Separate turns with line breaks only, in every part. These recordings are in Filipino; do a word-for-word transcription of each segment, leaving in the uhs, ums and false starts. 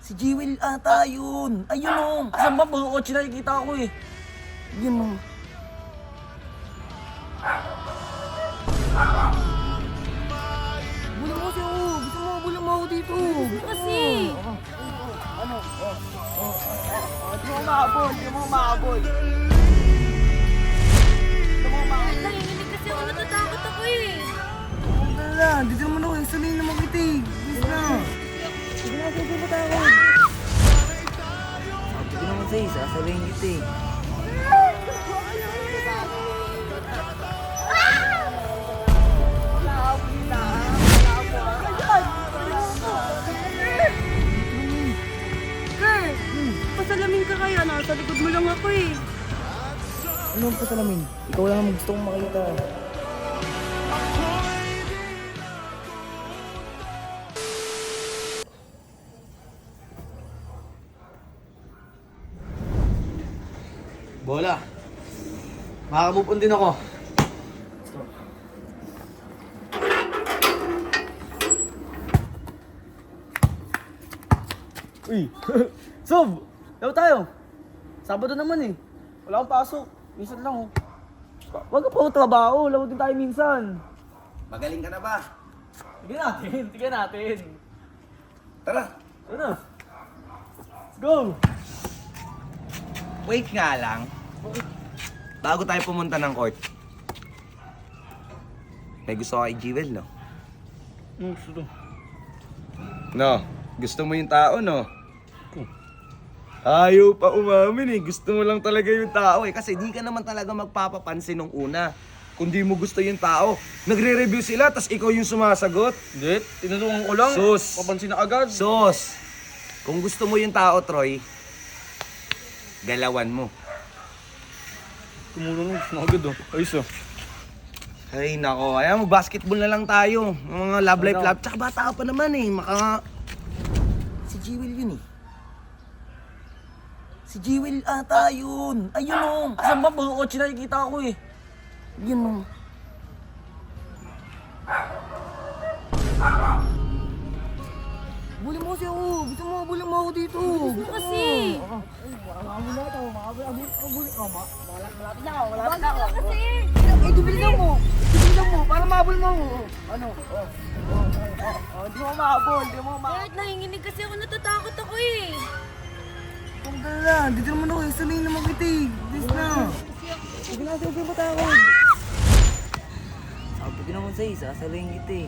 Si Jewel ata yun. Ayun o.
Asan ba? Mga kotse nakikita ko eh.
Yun o. Bulang mo siya o. Gusto mo, bulang mo ako dito.
Kasi,
Ano? Oh, oh, oh, di mo mahabol, di mo mahabol. Di mo mahabol.
nanginginig kasi ako, natatakot ako eh.
Huwag na lang, dito naman ako, sabihin naman kita eh. Please na. Sige na, sige mo tayo. Sabi ko naman sa'yo, sasabihin kita eh.
Kurt, pasalamin ka kaya, nasa likod mo lang ako eh.
Ano ang pasalamin? Ikaw lang ang gusto kong makita.
Bola. Makaka-move on din ako. Uy! Sob! Laro tayo! Sabado naman eh. Wala akong pasok. Minsan lang oh. Wag ka pa trabaho. Laro din tayo minsan.
Magaling ka na ba?
Sige natin. Sige natin.
Tara.
Ano? Let's go!
Wait nga lang. Bago tayo pumunta ng court. May gusto ka kay Jewel, no?
Ano gusto to?
No. Gusto mo yung tao, no? Ayaw pa umamin eh. Gusto mo lang talaga yung tao eh. Kasi di ka naman talaga magpapapansin nung una. Kung di mo gusto yung tao. Nagre-review sila, tas ikaw yung sumasagot.
Hindi. Tinulungan ko lang.
Sus!
Papansin na agad.
Sos! Kung gusto mo yung tao, Troy, galawan mo.
Tumulong na agad oh. Ayos oh.
Ay, nako. Ayan, mag-basketball na lang tayo. Mga love life,
Ano?
love. Tsaka bata ka pa naman eh. Maka...
Si Jewel yun eh. Si Jewel ata yun. Ayun o.
Asan ba? Mga kotse nakikita ko eh.
Yun o. Bulang mo siya o. Gusto mo, bulang mo ako dito.
Gusto kasi. Wag ka kasi.
Eh, dubilang mo. Dubilang mo, para mahabol mo. Ano? Oh. Oh, oh, oh. Di mo mahabol, di mo mahabol.
Kurt, nanginginig kasi ako, natatakot ako eh.
Huwag na lang, dito naman ako, sabihin naman kita eh. Please na. Sige na, sige mo tayo. Sabi ko naman sa'yo, sasabihin kita eh.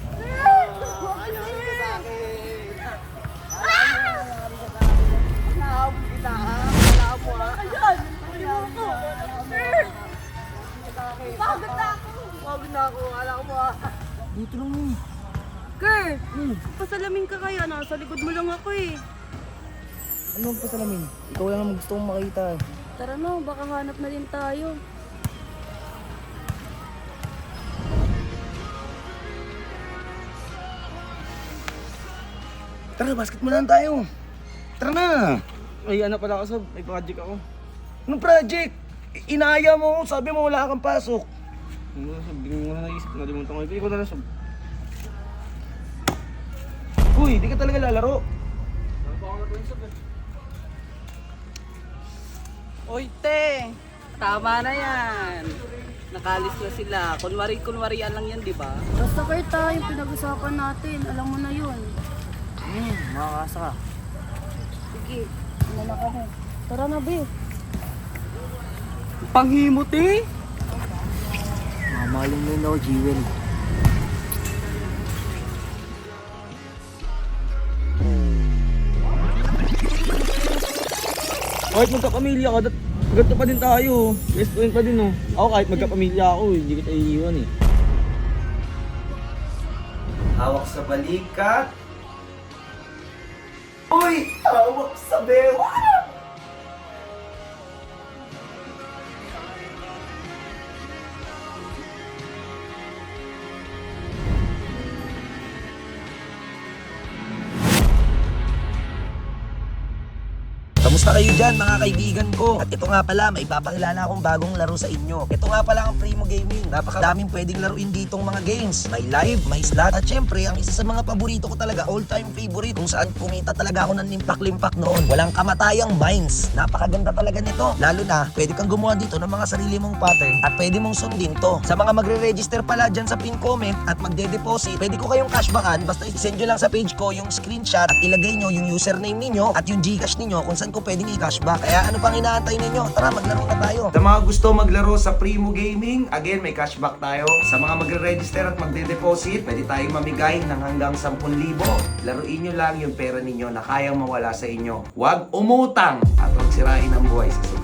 Nahabol kita ha, wala mo ha. Ayan,
Ayoko. Kurt, pagod na ako.
Huwag na ako, wala mo ha. Dito lang eh.
Kurt, pasalamin ka kaya, nasa likod mo lang ako eh.
Ano ang pasalamin? Ikaw lang ang gusto kong makita.
Tara na, baka hanap na din tayo.
Tara, basketball na tayo. Tara na.
Ay, ano pala ka, Sob? May project ako.
Anong project? I- Inaaya mo ako, sabi mo wala kang pasok.
Ano, Sob? Hindi mo na naisip. Nalimutan ko ito. Ikaw na lang, Sob.
Uy, di ka talaga lalaro.
Oy, te! Tama na yan. Nakalis na sila. Kunwari-kunwarian lang yan, di ba?
Basta Kurt ha, yung pinag-usapan natin, alam mo na yun.
Hmm, makakasa ka.
Sige, ano na kami. Tara na, be.
Panghimot eh!
Mamahalin mo yun ako, Jewel.
Kahit magkapamilya ka, dat- ganito pa din tayo. Best friend pa din oh. Ako kahit magkapamilya ako, hindi kita iiwan eh.
Hawak sa balikat. Uy, hawak sa bewa.
Kamusta kayo dyan mga kaibigan ko? At ito nga pala, may papakilala akong bagong laro sa inyo. Ito nga pala ang Primo Gaming. Napakadaming pwedeng laruin ditong mga games. May live, may slot, at syempre, ang isa sa mga paborito ko talaga, all-time favorite, kung saan kumita talaga ako ng limpak-limpak noon. Walang kamatayang mines. Napakaganda talaga nito. Lalo na, pwede kang gumawa dito ng mga sarili mong pattern at pwede mong sundin to. Sa mga magre-register pala dyan sa pin comment at magde-deposit, pwede ko kayong cashbackan. Basta i-send nyo lang sa page ko yung screenshot at ilagay nyo yung username ninyo at yung Gcash ninyo kung saan ko pwedeng i-cashback. Kaya ano pang inaantay ninyo? Tara, maglaro na tayo.
Sa mga gusto maglaro sa Primo Gaming, again, may cashback tayo. Sa mga magre-register at magde-deposit, pwede tayong mamigay ng hanggang ten libo. Laruin nyo lang yung pera ninyo na kayang mawala sa inyo. Huwag umutang at huwag sirain ang buhay sa